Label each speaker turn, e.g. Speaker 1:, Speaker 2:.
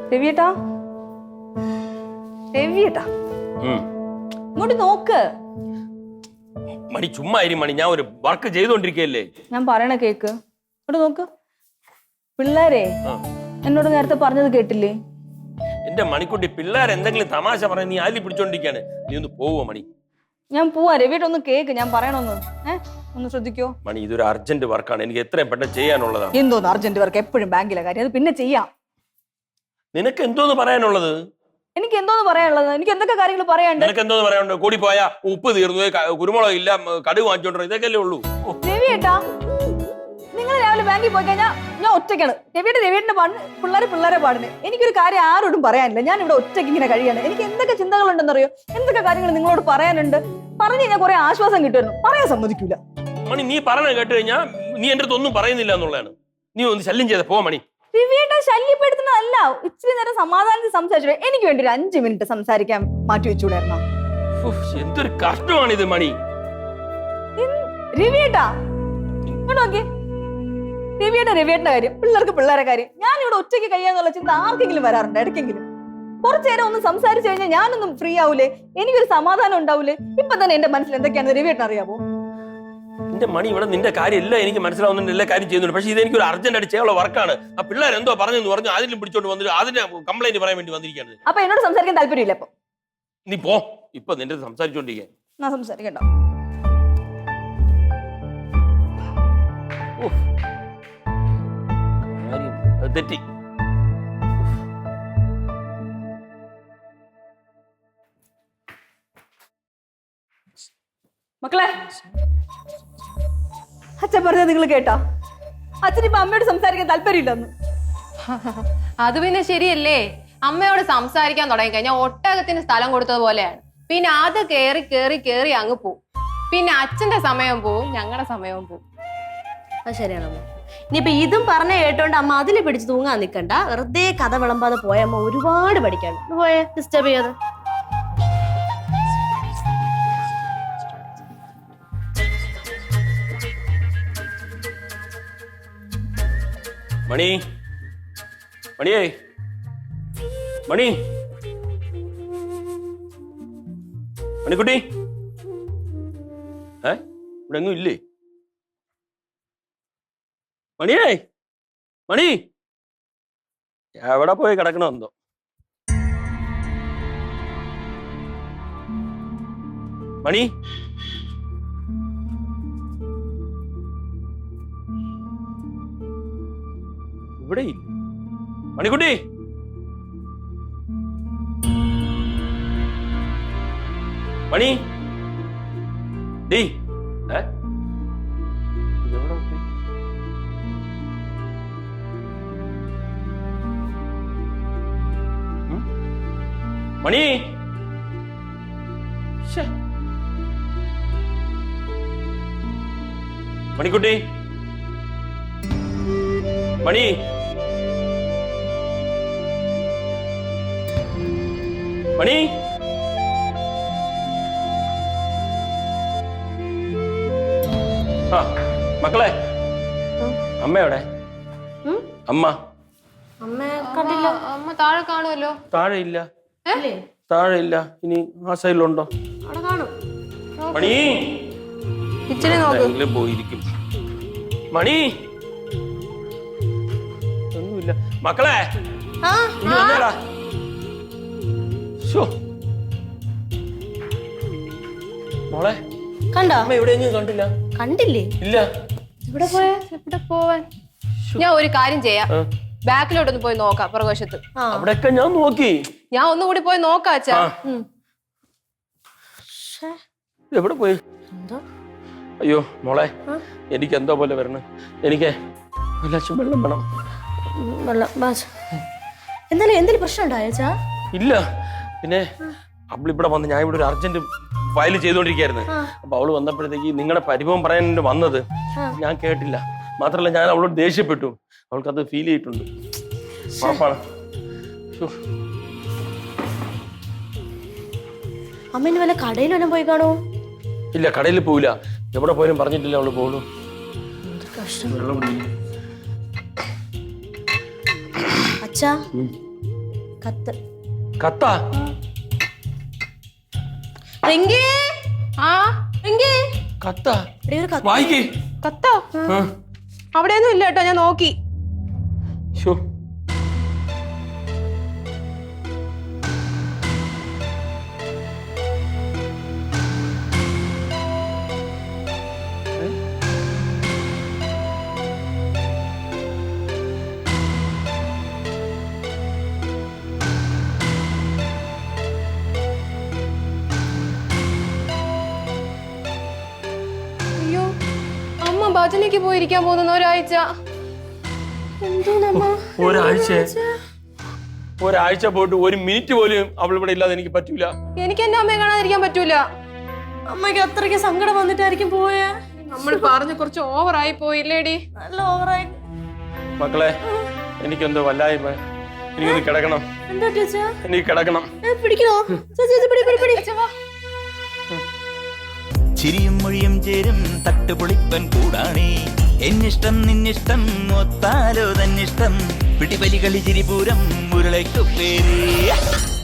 Speaker 1: രവിയേട്ടാ രവിയേട്ടാ ഇങ്ങോട്ട് നോക്ക്.
Speaker 2: മണി ചുമ്മാ മണി, ഞാൻ ഒരു വർക്ക് ചെയ്തോണ്ടിരിക്കല്ലേ.
Speaker 1: ഞാൻ പറയണ കേക്ക്. ഇങ്ങോട്ട് നോക്ക്. പിള്ളേരെ എന്നോട് നേരത്തെ പറഞ്ഞത് കേട്ടില്ലേ?
Speaker 2: എന്റെ മണിക്കുട്ടി, പിള്ളേർ എന്തെങ്കിലും തമാശ പറയാൻ നീ ആലി പിടിച്ചോണ്ടിരിക്കാണ്. നീ ഒന്ന് പോവോ മണി?
Speaker 1: ഞാൻ പോവാ. രവിയേട്ട ഒന്ന് കേക്ക്, ഞാൻ പറയണൊന്ന്. ഒന്ന് ശ്രദ്ധിക്കോ
Speaker 2: മണി? ഇതൊരു അർജന്റ് വർക്കാണ്, എനിക്ക് എത്രയും പെട്ടെന്ന് ചെയ്യാനുള്ളതാണ്.
Speaker 1: എന്തോന്ന് അർജന്റ് വർക്ക്? എപ്പോഴും ബാങ്കിലെ കാര്യം, അത് പിന്നെ ചെയ്യാം.
Speaker 2: നിനക്ക് എന്തോന്ന് പറയാനുള്ളത്?
Speaker 1: എനിക്ക് എന്തോന്ന് പറയാനുള്ളത്? എനിക്ക് എന്തൊക്കെ കാര്യങ്ങൾ പറയാനുണ്ട്.
Speaker 2: നിനക്ക് എന്തോന്ന് പറയാനുണ്ട്? കൂടി പോയാ ഉപ്പ് തീർന്നു, കുരുമുളക് ഇല്ല, കടുക് വാങ്ങിച്ചോണ്ടോ, ഇതൊക്കെയല്ലേ ഉള്ളൂ.
Speaker 1: രവിയേട്ടാ, നിങ്ങൾ രാവിലെ ബാങ്കിൽ പോയി കഴിഞ്ഞാൽ ഞാൻ ഒറ്റയ്ക്കാണ്. രവിയേട്ടന്റെ പിള്ളേരെ പാടിന്. എനിക്കൊരു കാര്യം ആരോടും പറയാനില്ല. ഞാൻ ഇവിടെ ഒറ്റയ്ക്ക് ഇങ്ങനെ കഴിയാണ്. എനിക്ക് എന്തൊക്കെ ചിന്തകളുണ്ടെന്നറിയോ? എന്തൊക്കെ കാര്യങ്ങൾ നിങ്ങളോട് പറയാനുണ്ട്. പറഞ്ഞു കഴിഞ്ഞാൽ കുറെ ആശ്വാസം കിട്ടുമായിരുന്നു. പറയാൻ സമ്മതിക്കൂല.
Speaker 2: മണി, നീ പറഞ്ഞ കേട്ട് കഴിഞ്ഞാ നീ എന്റെ അടുത്ത് ഒന്നും പറയുന്നില്ല എന്നുള്ളതാണ്. നീ ഒന്ന് ശല്യം ചെയ്ത പോ മണി.
Speaker 1: രവിയേട്ട ശല്യപ്പെടുത്തുന്നതല്ല, ഇച്ചിരി നേരം സമാധാനത്തിൽ സംസാരിച്ചു. എനിക്ക് വേണ്ടി ഒരു 5 മിനിറ്റ് സംസാരിക്കാൻ മാറ്റി വെച്ചുകൂടായിരുന്നോ?
Speaker 2: എന്തൊരു കഷ്ടമാണിത് മണി.
Speaker 1: രവിയേട്ടാ ഇങ്ങോട്ട് നോക്കി. രവിയേട്ടന്റെ കാര്യം, പിള്ളേരെ കാര്യം. ഞാൻ ഇവിടെ ഒറ്റയ്ക്ക് കഴിയാന്നുള്ള ചിന്ത ആർക്കെങ്കിലും വരാറുണ്ട് ഇടയ്ക്കെങ്കിലും? കുറച്ചു നേരം ഒന്ന് സംസാരിച്ചു കഴിഞ്ഞാൽ ഞാനൊന്നും ഫ്രീ ആവൂലേ? എനിക്കൊരു സമാധാനം ഉണ്ടാവൂലേ? ഇപ്പൊ തന്നെ എന്റെ മനസ്സിൽ എന്തൊക്കെയാണ് രവിയേട്ടൻ അറിയാമോ?
Speaker 2: എന്റെ മണി, ഇവിടെ നിന്റെ കാര്യം എല്ലാം എനിക്ക് മനസ്സിലാവുന്നുണ്ട്, എല്ലാ കാര്യം ചെയ്യുന്നുണ്ട്. പക്ഷേ ഇത് എനിക്കൊരു അർജന്റ് ആയിട്ട് ചെയ്യാനുള്ള വർക്കാണ്. ആ പിള്ളേർ എന്തോ പറഞ്ഞു അതിലും പിടിച്ചോണ്ട് വന്നിട്ട് അതിന്റെ കംപ്ലൈന്റ് പറയാൻ വേണ്ടി വന്നിരിക്കുകയാണ്.
Speaker 1: അപ്പൊ എന്നോട് സംസാരിക്കാൻ താല്പര്യമില്ല. അപ്പൊ
Speaker 2: നീ പോ. ഇപ്പൊ നിന്റെ സംസാരിച്ചോണ്ടിരിക്കാൻ
Speaker 1: ഞാൻ സംസാരിക്കണ്ട.
Speaker 2: തെറ്റി.
Speaker 1: മക്കളെ, അച്ഛൻ പറഞ്ഞത് നിങ്ങൾ കേട്ടാ? അച്ഛനിപ്പോ അമ്മയോട് സംസാരിക്കാൻ താല്പര്യമില്ലെന്ന്.
Speaker 3: അത് പിന്നെ ശരിയല്ലേ? അമ്മയോട് സംസാരിക്കാൻ തുടങ്ങി കഴിഞ്ഞാൽ ഒട്ടകത്തിന് സ്ഥലം കൊടുത്തതുപോലെയാണ്. പിന്നെ അത് കേറി കേറി കേറി അങ്ങ് പോവും. പിന്നെ അച്ഛന്റെ സമയം പോവും, ഞങ്ങളുടെ സമയവും പോവും.
Speaker 4: അത് ശരിയാണ് അമ്മ. ഇനിയിപ്പൊ ഇതും പറഞ്ഞ കേട്ടോണ്ട് അമ്മ അതിൽ പിടിച്ച് തൂങ്ങാൻ നിൽക്കണ്ട. വെറുതെ കഥ വിളമ്പാതെ പോയ അമ്മ ഒരുപാട് പഠിക്കാണ്ട്. പോയേ, ഡിസ്റ്റർബ് ചെയ്യാതെ.
Speaker 2: മണി, മണിയേ, മണി, മണിക്കുട്ടി, ഇവിടെ എങ്ങും ഇല്ലേ? മണിയേ, മണി എവിടെ പോയി കിടക്കണമെന്തോ? മണി, ഇവിടെ ഇല്ല. മണിക്കുട്ടി, മണി, ഡീ, എവിടെ പോയി? മണി, മണിക്കുട്ടി, മണി, മണി, ആ മക്കളെ, അമ്മ എവിടെ? അമ്മ
Speaker 4: അമ്മ കണ്ടില്ല.
Speaker 3: അമ്മ താഴെ കാണുമല്ലോ.
Speaker 2: താഴെ ഇല്ല, താഴെ ഇല്ല. ഇനി ആ സൈഡിലുണ്ടോ?
Speaker 4: അവിടെ കാണും.
Speaker 2: മണി,
Speaker 3: കിച്ചണിൽ നോക്ക്.
Speaker 2: പോയിരിക്കും. മണി, ഒന്നുമില്ല. മക്കളെ, മോളെ
Speaker 4: കണ്ടോ?
Speaker 2: അമ്മ എവിടെയെങ്കിലും കണ്ടില്ല.
Speaker 4: കണ്ടില്ലേ?
Speaker 2: ഇല്ല.
Speaker 3: ഇവിടെ പോയാ എവിടെ പോവാൻ? ഞാൻ ഒരു കാര്യം ചെയ്യാം, ബാക്കിലോട്ടൊന്ന് പോയി നോക്കാം. പുറകുവശത്ത്
Speaker 2: അവിടെയൊക്കെ ഞാൻ നോക്കി.
Speaker 3: ഞാൻ ഒന്നുകൂടി പോയി നോക്കാം അച്ഛാ.
Speaker 2: എവിടെ പോയി? അയ്യോ മോളെ, എനിക്ക് എന്തോ പോലെ വരണം. എനിക്ക് വെള്ളം വേണം.
Speaker 4: എന്തെങ്കിലും പ്രശ്നം ഉണ്ടായോച്ചാ?
Speaker 2: ഇല്ല. പിന്നെ അവളിവിടെ വന്ന്, ഞാൻ ഇവിടെ ഒരു അർജന്റ് ഫയൽ ചെയ്തോണ്ടിരിക്കായിരുന്നു. അപ്പൊ അവള് വന്നപ്പോഴത്തേക്ക് നിങ്ങളുടെ പരിഭവം പറയാൻ വന്നത് ഞാൻ കേട്ടില്ല. മാത്രല്ല ഞാൻ അവളോട് ദേഷ്യപ്പെട്ടു. അവൾക്കത് ഫീൽ ചെയ്തിട്ടുണ്ട്. ഉറപ്പാണ്.
Speaker 4: അമ്മ വല്ല കടയിൽ വല്ലതും പോയി കാണോ?
Speaker 2: ഇല്ല, കടയിൽ പോവില്ല. എവിടെ പോയാലും പറഞ്ഞിട്ടില്ല അവള് പോകുള്ളൂ.
Speaker 4: അച്ഛാ, കത്ത്.
Speaker 2: കത്താ?
Speaker 4: റിങ്കി,
Speaker 3: ആ
Speaker 4: റിങ്കി,
Speaker 2: കത്താ?
Speaker 4: എടീ, ഒരു കത്ത്.
Speaker 2: വായിക്കേ.
Speaker 3: കത്തോ? അവിടെയൊന്നും ഇല്ല കേട്ടോ, ഞാൻ നോക്കി.
Speaker 2: ശോ.
Speaker 3: അയ്യോ, അമ്മ ഭജനയ്ക്ക് പോയിരിക്കാൻ പോകുന്ന ഒരാഴ്ച.
Speaker 2: ഒരാഴ്ച പോയിട്ട് ഒരു മിനിറ്റ് പോലും അവൾ ഇവിടെ ഇല്ലാതെ എനിക്ക് പറ്റൂല.
Speaker 3: എനിക്ക് എന്റെ അമ്മയെ കാണാതിരിക്കാൻ പറ്റൂല.
Speaker 4: അമ്മയ്ക്ക് അത്രയ്ക്ക് സങ്കടം വന്നിട്ടായിരിക്കും പോയേ.
Speaker 3: നമ്മൾ പറഞ്ഞ് കുറച്ച് ഓവറായി പോയില്ലേടി?
Speaker 4: നല്ല ഓവറായി.
Speaker 2: മക്കളെ, എനിക്കെന്തോ വല്ലായ്മ. എനിക്കൊന്ന് കിടക്കണം.
Speaker 4: എന്താ ടീച്ചർ?
Speaker 2: എനിക്ക് കിടക്കണം.
Speaker 4: പിടിക്കണോ?
Speaker 5: ചിരിയും മൊഴിയും ചേരും തട്ടുപൊളിപ്പൻ കൂടാണേ. എന്നിഷ്ടം നിന്നിഷ്ടം ഒത്താലോ തന്നിഷ്ടം. പിടിപലി കളി ചിരിപൂരം മുരളയ്ക്കു പേര്.